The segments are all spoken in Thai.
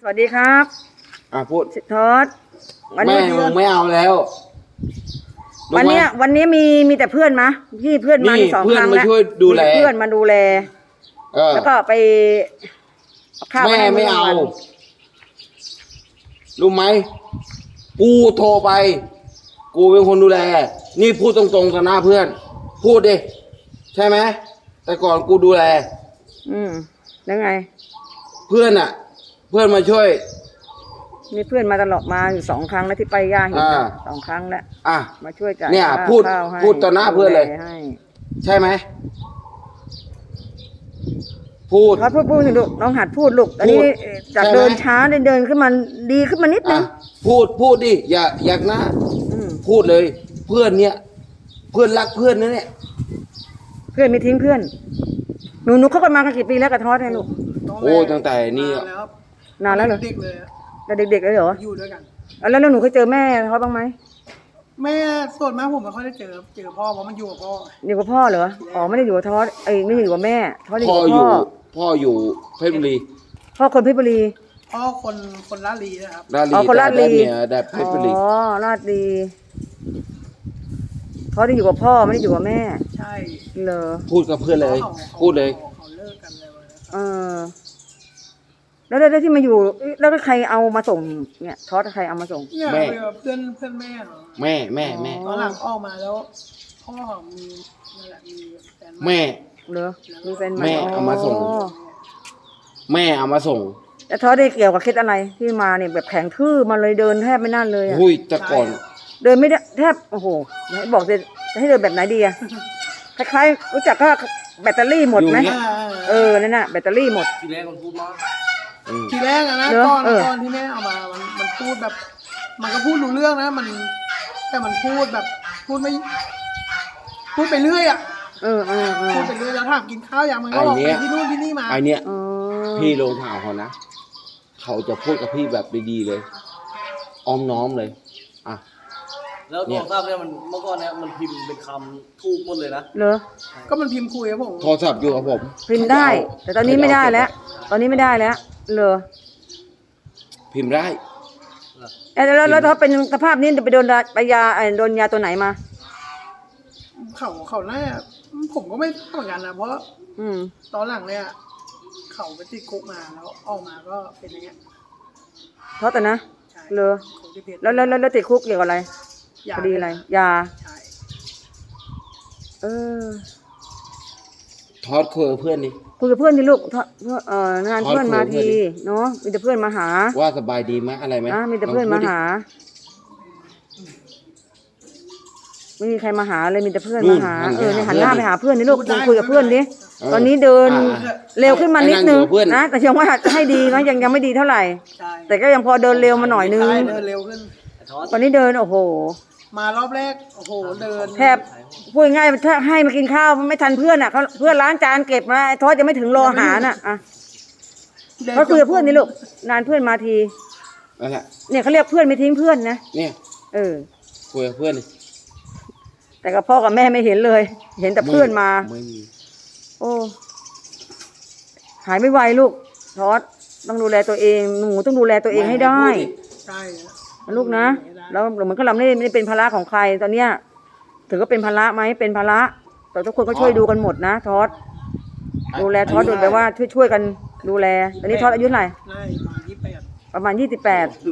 สวัสดีครับพูดทอดวันนี้มึงไม่เอาแล้ววันนี้มีแต่เพื่อนมาพี่เพื่อนมาสองครั้งแล้วเพื่อนมาดูแลแล้วก็ไปแม่ไม่เอารู้ไหมกูโทรไปกูเป็นคนดูแลนี่พูดตรงๆต่อหน้าเพื่อนพูดดิใช่ไหมแต่ก่อนกูดูแลแล้วไงเพื่อนมาช่วยมีเพื่อนมาตลอดมาอยู่2 ครั้งแล้วที่ไปย่าเห็น2 ครั้งแล้วมาช่วยกันเนี่ยพูดต่อหน้าเพื่อนเลยใช่ไหมพูดพูดลูกน้องหัดพูดลูกตอนนี้จากเดินช้าเดินขึ้นมาดีขึ้นมานิดนึงพูดดิอยากนะพูดเลยเพื่อนเนี่ยเพื่อนรักเพื่อนนะเนี่ยเพื่อนไม่ทิ้งเพื่อนหนูเข้ากันมากันกี่ปีแล้วกับทอดเนี่ยลูกโอ้ตั้งแต่นี่นานแล้วเหรอเด็กเลยแต่เด็กๆเลยเหรออยู่ด้วยกันแล้วหนูเคยเจอแม่เขาบ้างไหมแม่ส่วนมากผมไม่ค่อยได้เจอพ่อเพราะมันอยู่กับพ่ออยู่กับพ่อเหรอไม่ได้อยู่กับทอดไม่ได้อยู่กับแม่ทอดอยู่กับพ่ออยู่เพชรบุรีพ่อคนเพชรบุรีพ่อคนลาดลีนะครับคนลาดลีแต่เพชรบุรีลาดลีทอดได้อยู่กับพ่อไม่ได้อยู่กับแม่ใช่เลยพูดกับเพื่อนเลยพูดเลยเขาเลิกกันเลยแล้วที่มาอยู่แล้วใครเอามาส่งเนี่ยทอดใครเอามาส่งแม่เพื่อนแม่เหรอแม่ตอนหลังออกมาแล้วพ่อมีนั่นแหละมีแฟนแม่เหรอมีแฟนแม่เอามาส่งแม่เอามาส่งแล้วทอดได้เกี่ยวกับเคล็ดอะไรที่มาเนี่ยแบบแข็งทื่อมาเลยเดินแทบไม่นั่นเลยหุ้ยแต่ก่อนเดินไม่ได้แทบโอ้โหให้บอกจะให้เดินแบบไหนดีอะคล้ายๆรู้จักก็แบตเตอรี่หมดไหมนั่นน่ะแบตเตอรี่หมดทีแรกมันพูดมากทีแรกนะตอนที่แม่เอามามันพูดแบบมันก็พูดรู้เรื่องนะแต่มันพูดแบบพูดไปเรื่อยพูดไปเรื่อยแล้วถามกินข้าวอย่างมันก็บอกไปที่นู่นที่นี่มาไอเนี้ยพี่ลงข่าวเขานะเขาจะพูดกับพี่แบบดีๆเลยอ้อมน้อมเลยแล้วโทรศัพท์เนี่ยมันเมื่อก่อนเนี่ยมันพิมพ์เป็นคำถูกหมดเลยนะเหรอก็มันพิมพ์คุยกับผมโทรศัพท์อยู่กับผมพิมพ์ได้แต่ตอนนี้ไม่ได้แล้วเหรอพิมพ์ได้แล้วถ้าเป็นสภาพนี้ไปโดนยาตัวไหนมาเขาน่าผมก็ไม่เหมือนกันนะเพราะตอนหลังเนี่ยเขาไปติดคุกมาแล้วออกมาก็เป็นอย่างเงี้ยเพราะแต่นะเหรอแล้วติดคุกเกี่ยวกับอะไรคดีอะไรยาทอดคุยกับเพื่อนดิคุยกับเพื่อนดิลูกงานเพื่อนมาทีเนาะมีแต่เพื่อนมาหาว่าสบายดีไหมอะไรไหมมีแต่เพื่อนมาหาไม่มีใครมาหาเลยมีแต่เพื่อนมาหาเนี่ยหันหน้าไปหาเพื่อนนี่ลูกคุยกับเพื่อนดิตอนนี้เดินเร็วขึ้นมานิดนึงนะแต่ยังว่าให้ดีนะยังไม่ดีเท่าไหร่แต่ก็ยังพอเดินเร็วมาหน่อยนึงเดินเร็วขึ้นตอนนี้เดินโอ้โหมารอบแรกโอ้โหเดินแทบพูดง่ายถ้าให้มากินข้าวไม่ทันเพื่อนอ่ะเพื่อนล้างจานเก็บมาทอดจะไม่ถึงรออาหารอ่ะเขาคุยกับเพื่อนนี่ลูกนานเพื่อนมาทีเนี่ยเขาเรียกเพื่อนไม่ทิ้งเพื่อนนะเนี่ยคุยกับเพื่อนแต่กับพ่อกับแม่ไม่เห็นเลยเห็นแต่เพื่อนมาโอ้หายไม่ไวลูกทอดต้องดูแลตัวเองหนูต้องดูแลตัวเองให้ได้ใช่ลูกนะแล้วเหมือนกับเราไม่ได้เป็นภาระของใครตอนเนี้ยถือว่าเป็นภาระไหมเป็นภาระแต่ทุกคนก็ช่วยดูกันหมดนะทอดดูแลทอดโดยแบบว่าช่วยกันดูแลตอนนี้ทอดอายุเท่าไหร่ประมาณ28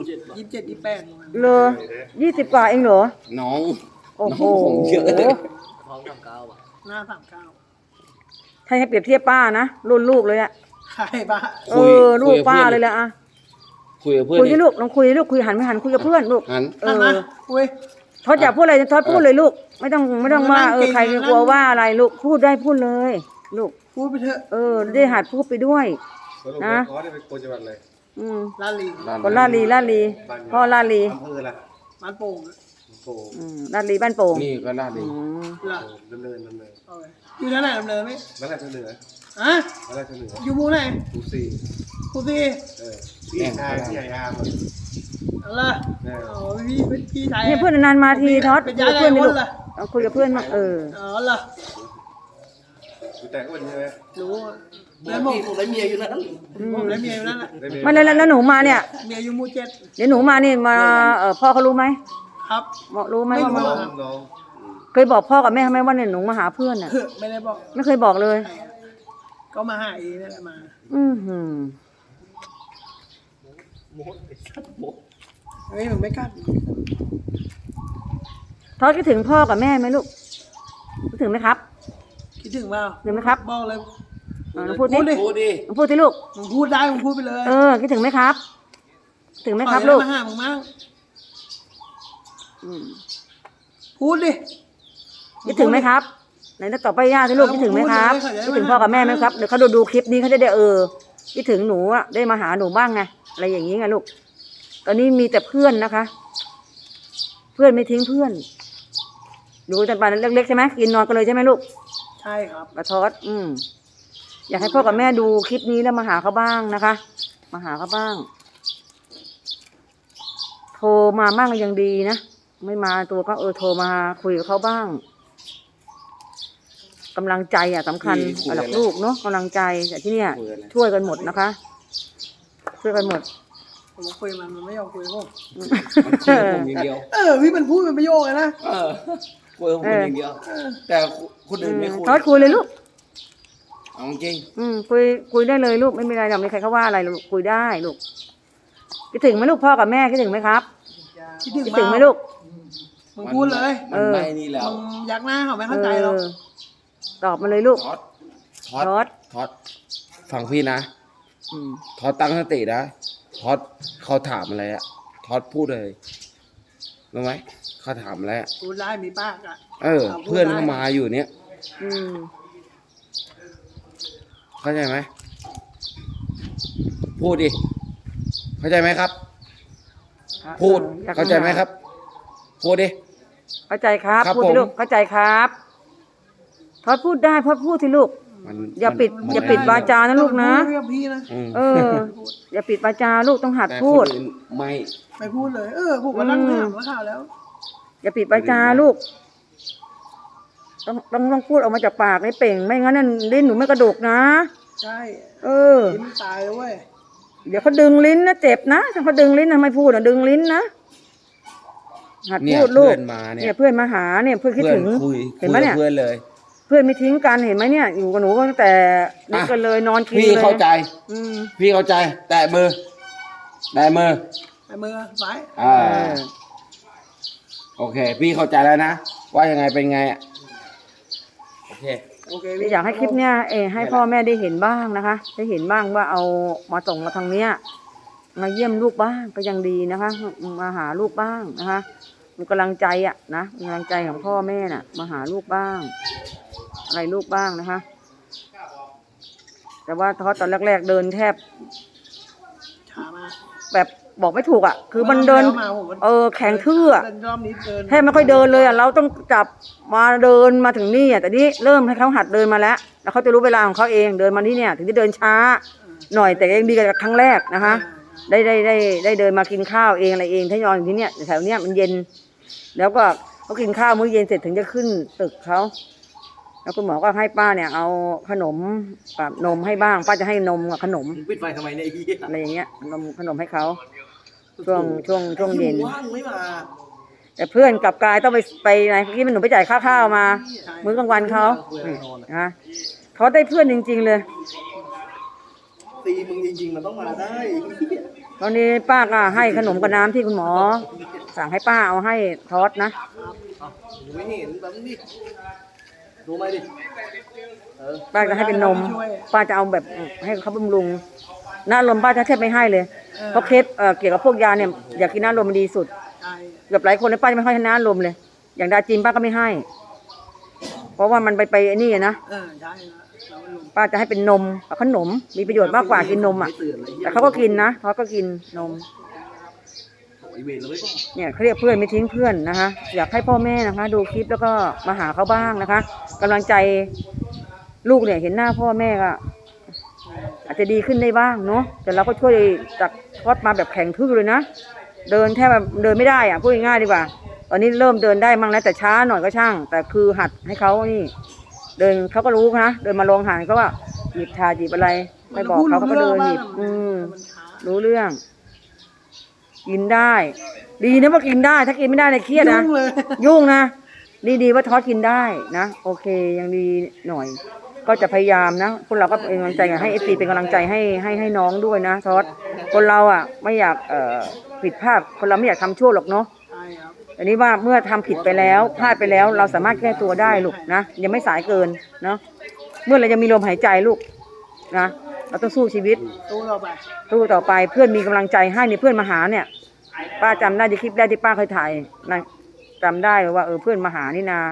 เลย20 กว่าเองเหรอน้องโอ้โหเยอะเลยท้อง39 หน้า39 ให้เปรียบเทียบป้านะรุ่นลูกเลยอะใช่ป้าลูกป้าเลยแหละอะคุยกับเพื่อนคุยลูกลองคุยลูกคุยหันไม่หันคุยกับเพื่อนลูกคุยทอดอยากพูดอะไรทอดพูดเลยลูกไม่ต้องว่าใครกลัวว่าอะไรลูกพูดได้พูดเลยลูกพูดไปเถอะได้หัดพูดไปด้วยนะเป็นคนจังหวัดอะไรลาลีคนลาลีพ่อลาลีบ้านโป่งลาลีบ้านโป่งนี่ก็ลาลีดำเนินอยู่ที่ไหนดำเนินไหมบ้านอะไรเหนืออยู่มูไหนกูซีพี่ชายพี่ใหญ่อาร์มอะไรพี่ชายเนี่ยเพื่อนนานมาทีทอดคุยกับเพื่อนนี่ลูกคุยกับเพื่อนมาอ๋อเหรอแต่ก็วันนี้ไหมรู้บอกพี่ผมได้เมียอยู่นั่นผมได้เมียอยู่นั่นแหละไม่แล้วหนูมาเนี่ยเมียอยู่หมู่เจ็ดเดี๋ยวหนูมานี่มาพ่อเขารู้ไหมครับบอกรู้ไหมไม่ว่ารู้มาครับเคยบอกพ่อกับแม่ไหมว่าเนี่ยหนูมาหาเพื่อนน่ะไม่ได้บอกไม่เคยบอกเลยก็มาหาเองนั่นแหละมาอือหือเฮ้ยหนูไม่กล้าทอดคิดถึงพ่อกับแม่ไหมลูกคิดถึงไหมครับคิดถึงเปล่าถึงไหมครับบอกเลยลองพูดดิพูดดิพูดดิลองพูดสิลูกมึงพูดได้มึงพูดไปเลยคิดถึงไหมครับ ถึงไหมครับขอลูกให้มาหามึงมั่งอืมพูดดิคิดถึงไหมครับไหนจะตอบไปย่าสิลูกคิดถึงไหมครับพูดเลยคิดถึงพ่อกับแม่ไหมครับเดี๋ยวเขาดูคลิปนี้เขาจะได้คิดถึงหนูอ่ะได้มาหาหนูบ้างไงอะไรอย่างนี้ไงลูกตอนนี้มีแต่เพื่อนนะคะ เพื่อนไม่ทิ้งเพื่อนดูจันปานเล็กๆใช่ไหมกินนอนกันเลยใช่ไหมลูกใช่ครับกระทอดอยากให้พ่อกับแม่ดูคลิปนี้แล้วมาหาเขาบ้างนะคะ มาหาเขาบ้าง โทรมาบ้างก็ยังดีนะไม่มาตัวก็โทรมาคุยกับเขาบ้างกำลังใจสำคัญสำหรับลูกเนาะกำลังใจแต่ที่เนี่ยช่วยกันหมดนะคะ ช่วยกันหมดผมคุยมันไม่ยอมคุยกับผมมันคุยกับผมอย่างเดียวพี่มันพูดเป็นประโยคเลยนะคุยกับผมอย่างเดียว แต่คนอื่นไม่คุยทอดคุยเลยลูกเอาจริงคุยได้เลยลูกไม่มีอะไรหรอกไม่มีใครเขาว่าอะไรลูกคุยได้ลูกคิดถึงไหมลูกพ่อกับแม่คิดถึงไหมครับคิดถึงคิดถึงไหมลูกมึงพูดเลยมันไม่นี่แล้วมึงยักหน้าเขาไม่เข้าใจหรอกตอบมาเลยลูกทอดทอดฟังพี่นะอืมทอดตั้งสตินะทอดเขาถามอะไรอะทอดพูดเลยรู้ไหมเขาถามอะไรอะพูดได้มีปากอ่ะเพื่อนเขามาอยู่เนี้ยอืมเข้าใจไหมพูดดิเข้าใจไหมครับ พูดเข้าใจไหมครับ พูดดิเข้าใจครับครับพูดสิผมลูกเข้าใจครับทอดพูดได้พูดสิลูกมันอย่าปิดมันอย่าปิดวาจานะลูกนะพูดกับพี่นะอืมอย่าปิดวาจาลูกต้องหัดแต่พูดคนอื่นไม่ไม่พูดเลย ผมก็นั่งถามว่าข่าวแล้วอย่าปิดวาจาลูก ต้องพูดออกมาจากปากให้เป่งไม่งั้นนั่นลิ้นหนูไม่กระดกนะใช่ ลิ้นตายเลยเว้ยเดี๋ยวเขาดึงลิ้นนะเจ็บนะถ้าเขาดึงลิ้นนะไม่พูดดึงลิ้นนะหัดเนี่พูยดลูกเพื่อนมาเนี่ยเพื่อนมาหาเนี่ยเพื่อนคิดเพื่อนถึงคุยเห็นไหมเนี่ยเพื่อนเลยเพื่อนไม่ทิ้งกันเห็นไหมเนี่ยอยู่กับหนูตั้งแต่เด็กกันเลยนอนกินพี่เลยเข้าใจอืมพี่เข้าใจ แตะมือไอ้มือซ้ายโอเค พี่เข้าใจแล้วนะ ว่ายังไงเป็นไงอ่ะ โอเคโอเคอยากให้คลิปเนี้ยให้พ่อแม่ได้เห็นบ้างนะคะได้เห็นบ้างว่าเอามาส่งมาทางเนี้ยมาเยี่ยมลูกบ้างก็ยังดีนะคะ มาหาลูกบ้างนะคะมีกำลังใจนะมีกำลังใจของพ่อแม่น่ะ มาหาลูกบ้าง อะไรลูกบ้างนะคะ แต่ว่าทอดตอนแรกๆเดินแทบช้ามาแบบบอกไม่ถูกคือมันเดิน แข็งทื่อรอบนี้เดินแทบไม่ค่อยเดินเลยเราต้องจับมาเดินมาถึงนี่แต่นี่เริ่มให้เขาหัดเดินมาแล้วแล้วเขาจะรู้เวลาของเขาเองเดินมาที่เนี่ย ถึงจะเดินช้าหน่อยแต่ยังดีกว่าครั้งแรกนะคะ ได้เดินมากินข้าวเองอะไรเองถ้านอนอยู่ที่เนี่ยแถวเนี้ยมันเย็น แล้วก็เขากินข้าวมื้อเย็นเสร็จถึงจะขึ้นตึกเขาแล้วคุณหมอก็ให้ป้าเนี่ยเอาขนมกับนมให้บ้างป้าจะให้นมกับขนมมึงปิดไฟทำไมเนี่ยไอ้เหี้ยอะไรอย่างเงี้ยขนมให้เขาช่วงเย็นว่างไม่มาแต่เพื่อนกลับกลายต้องไปไหนเมื่อกี้มันหนูไปจ่ายค่าข้าวมา มื้อกลางวันเขานะเขาได้เพื่อนจริงๆเลยตีมึงจริงๆมันต้องมาได้ตอนนี้ป้าก็ให้ขนมกับน้ำที่คุณหมอ สั่งให้ป้าเอาให้ทอดนะไม่เห็นแบบนี้ดูไหมดิป้าจะให้เป็นนม ป้าจะเอาแบบให้เขาบำรุงน้ำลมป้าจะแทบไม่ให้เลยเพราะเคสเกี่ยวกับพวกยาเนี่ยอยากกินน้ำลมมันดีสุดใช่แบบหลายคนเลยป้าจะไม่ค่อยให้น้ำลมเลย อย่างดาจินป้าก็ไม่ให้ เพราะว่ามันไปไอ้นี่นะใช่แล้วมันลงป้าจะให้เป็นนมกับขนมมีประโยชน์มากกว่ากินนมแต่เขาก็กินนะเขาก็กินนมไอ้เวรเลยเนี่ยเขาเรียกเพื่อนไม่ทิ้งเพื่อนนะคะ อยากให้พ่อแม่นะคะ ดูคลิปแล้วก็มาหาเขาบ้างนะคะกำลังใจลูกเนี่ยเห็นหน้าพ่อแม่ก็อาจจะดีขึ้นได้บ้างเนาะแต่เราก็ช่วยจากทอดมาแบบแข็งทื่อเลยนะเดินแทบแบบเดินไม่ได้พูดง่ายๆดีกว่า ตอนนี้เริ่มเดินได้มั่งแล้วแต่ช้าหน่อยก็ช่าง แต่คือหัดให้เขานี่ เดินเขาก็รู้นะเดินมาลงหันเขาว่าหยิบถาดหยิบอะไรไปบอกเขาก็เดินหยิบมันช้ารู้เรื่อง กินได้ ดีนะว่ากินได้ ถ้ากินไม่ได้เนี่ยเครียดนะยุ่งเลยยุ่งนะดีว่าทอดกินได้นะโอเคยังดีหน่อย ก็จะพยายามนะพวกเราก็เป็นกำลังใจให้FCเป็นกำลังใจให้น้องด้วยนะทอดคนเราอ่ะไม่อยากผิดพลาดคนเราไม่อยากทำชั่วหรอกเนาะใช่ครับอันนี้ว่าเมื่อทำผิดไปแล้วพลาดไปแล้วเราสามารถแก้ตัวได้ลูกนะยังไม่สายเกินเนาะเมื่อเรายังมีลมหายใจลูกนะเราต้องสู้ชีวิตตู้ต่อไปสู้ต่อไปเพื่อนมีกำลังใจให้เนี่ยเพื่อนมาหาเนี่ย ป้าจำได้ในคลิปแรกที่ป้าเคยถ่ายนะจำได้ว่าเพื่อนมาหานี่นา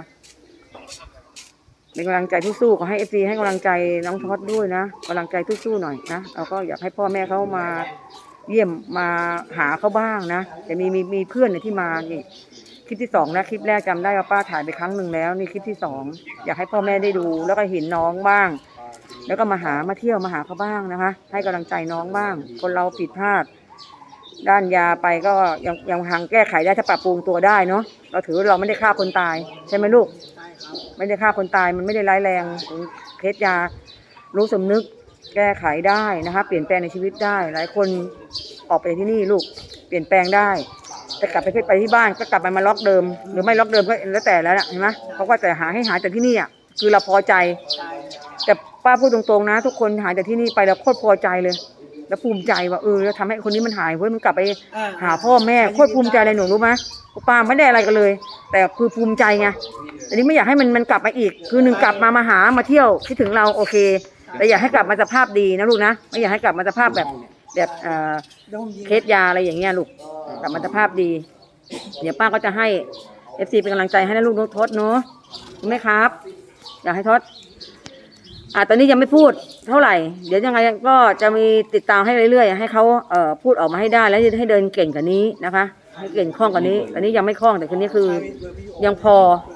เป็นกำลังใจที่สู้ขอให้FCให้กำลังใจน้องทอดด้วยนะกำลังใจสู้ๆหน่อยนะเราก็อยากให้พ่อแม่เขามาเยี่ยมมาหาเขาบ้างนะแต่มีเพื่อนเนี่ยที่มานี่คลิปที่2นะคลิปแรกจำได้ว่าป้าถ่ายไปครั้งหนึ่งแล้วนี่คลิปที่2อยากให้พ่อแม่ได้ดูแล้วก็เห็นน้องบ้าง แล้วก็มาเที่ยวมาหาเขาบ้างนะคะให้กำลังใจน้องบ้างคนเราผิดพลาดด้านยาไปก็ยังทางแก้ไขได้ถ้าปรับปรุงตัวได้เนาะเราถือว่าเราไม่ได้ฆ่าคนตายใช่ไหมลูกใช่ครับไม่ได้ฆ่าคนตายมันไม่ได้ร้ายแรงเคสยารู้สำนึกแก้ไขได้นะคะเปลี่ยนแปลงในชีวิตได้หลายคนออกไปที่นี่ลูกเปลี่ยนแปลงได้แต่กลับไปที่บ้านก็กลับมาล็อกเดิมหรือไม่ล็อกเดิมก็แล้วแต่แล้วนะเห็นไหมเพราะว่าแต่หาจากที่นี่อ่ะคือเราพอใจใช่แต่ป้าพูดตรงๆนะทุกคนหายจากที่นี่ไปแล้วโคตรพอใจเลย แล้วภูมิใจว่าเราทำให้คนนี้มันหายเว้ยมันกลับไปหาพ่อแม่โคตรภูมิใจเลยหนูรู้ไหมป้าไม่ได้อะไรกันเลย แต่คือภูมิใจไงแต่นี้ไม่อยากให้มันกลับมาอีกคือหนึ่งกลับมาหามาเที่ยวคิดถึงเราโอเคแต่อยากให้กลับมาสภาพดีนะลูกนะไม่อยากให้กลับมาสภาพแบบเคสยาอะไรอย่างเงี้ยลูกกลับมาสภาพดี เดี๋ยวป้าก็จะให้ FC เป็นกำลังใจให้นะลูกนกทศเนาะถูกไหมครับ อยากให้ทศตอนนี้ยังไม่พูดเท่าไหร่เดี๋ยวยังไงก็จะมีติดตามให้เรื่อยๆให้เขาพูดออกมาให้ได้แล้วให้เดินเก่งกว่านี้นะคะให้เก่งคล่องกว่านี้ตอนนี้ยังไม่คล่องแต่คนนี้คือยังพอ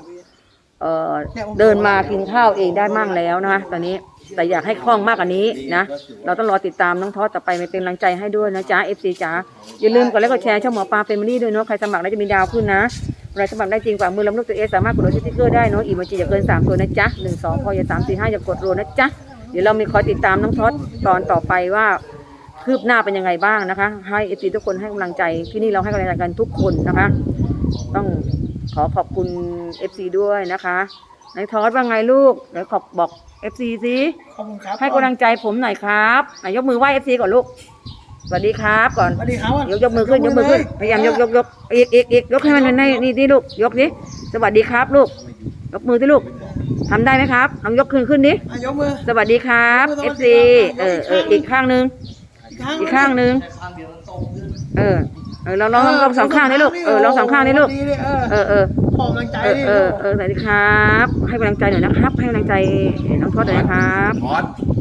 เดินมากินข้าวเองได้มั่งแล้วนะคะตอนนี้แต่อยากให้คล่องมากกว่านี้นะเราต้องรอติดตามน้องทอดต่อไปมาเป็นกำลังใจให้ด้วยนะจ๊ะ FC จ๋าอย่าลืมกดไลค์กดแชร์ช่องหมอปลาเฟมิลี่ด้วยเนาะใครสมัครแล้วจะมีดาวขึ้นนะเราสมัครได้จริงกว่ามือลำลูกตัวสามารถกดโหลดสติ๊กเกอร์ได้เนาะอีโมจิอย่าเกิน3ตัวนะจ๊ะ1 2พออย่า3 4 5อย่ากดรัวนะจ๊ะเดี๋ยวเรามีคอยติดตามน้องทอดตอนต่อไปว่าคืบหน้าเป็นยังไงบ้างนะคะให้ FC ทุกคนให้กำลังใจที่นี่เราให้กำลังใจกันทุกคนนะคะต้องขอบคุณ FC ด้วยนะคะนายทอดว่าไงลูกเดี๋ยวบอก FC สิขอบคุณครับให้กำลังใจผมหน่อยครับยกมือไหว้ FC ก่อนลูกสวัสดีครับก่อนสวัสดีครับยกมือขึ้นพยายามยกอีกยกให้มันในนี่ลูกยกดิสวัสดีครับลูกยกมือที่ลูกทำได้ไหมครับลองยกขึ้นดิยกมือสวัสดีครับ FC อีกข้างนึงอีกข้างนึงข้างเดียวมันตรงขึ้นเราลองสองข้างนี่ลูกลองสองข้างนี่ลูกขอกำลังใจดิสวัสดีครับให้กำลังใจหน่อยนะครับให้กำลังใจน้องทอดหน่อยนะครับทอด